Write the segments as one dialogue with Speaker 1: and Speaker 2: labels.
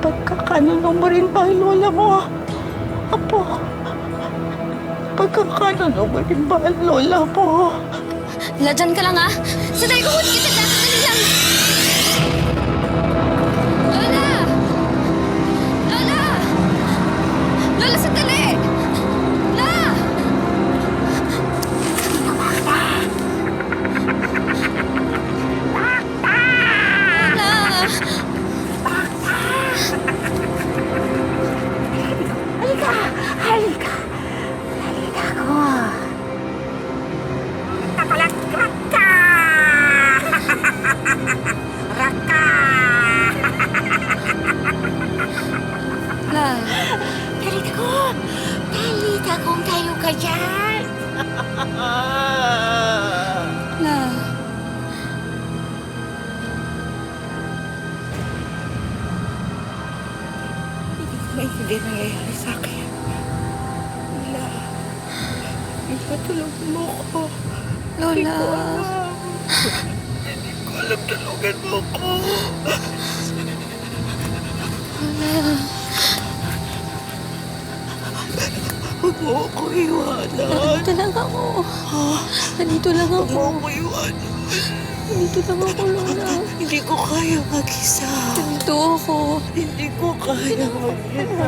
Speaker 1: Pagkakanuno mo rin ba ang lola mo? Apo, pagkakanuno mo rin ba ang lola mo?
Speaker 2: Lola, dyan ka lang, ha? Sandali, kukunin kita dyan. Sandali lang. Lola! Lola! Lola, sandali! Lola! Lola!
Speaker 1: Halika! Halika! Halika ko! Raka! Raka!
Speaker 2: Lola!
Speaker 1: Talita ko! Talita kong tayo ka dyan!
Speaker 2: Lola!
Speaker 1: May hindi nangyayari sa akin. Wala. Wala, tulungan mo ko.
Speaker 2: Lola!
Speaker 1: Hindi ko alam, tulungan mo ko.
Speaker 2: Lola!
Speaker 1: Huwag mo ako iwanan.
Speaker 2: Nandito lang ako. Nandito lang
Speaker 1: Huwag
Speaker 2: ako.
Speaker 1: mo ako iwanan.
Speaker 2: Nandito lang ako, Lola.
Speaker 1: Hindi ko kaya mag-isa.
Speaker 2: Nandito ako.
Speaker 1: Hindi ko kaya mag-isa.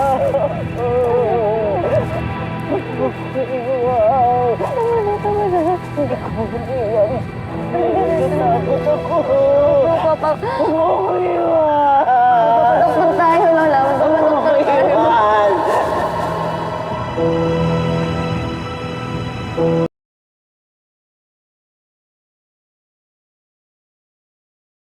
Speaker 1: Huwag mo ako iwan. Tama na. Hindi ko mag-iwan. Natatakot ako. Huwag mo ako iwan.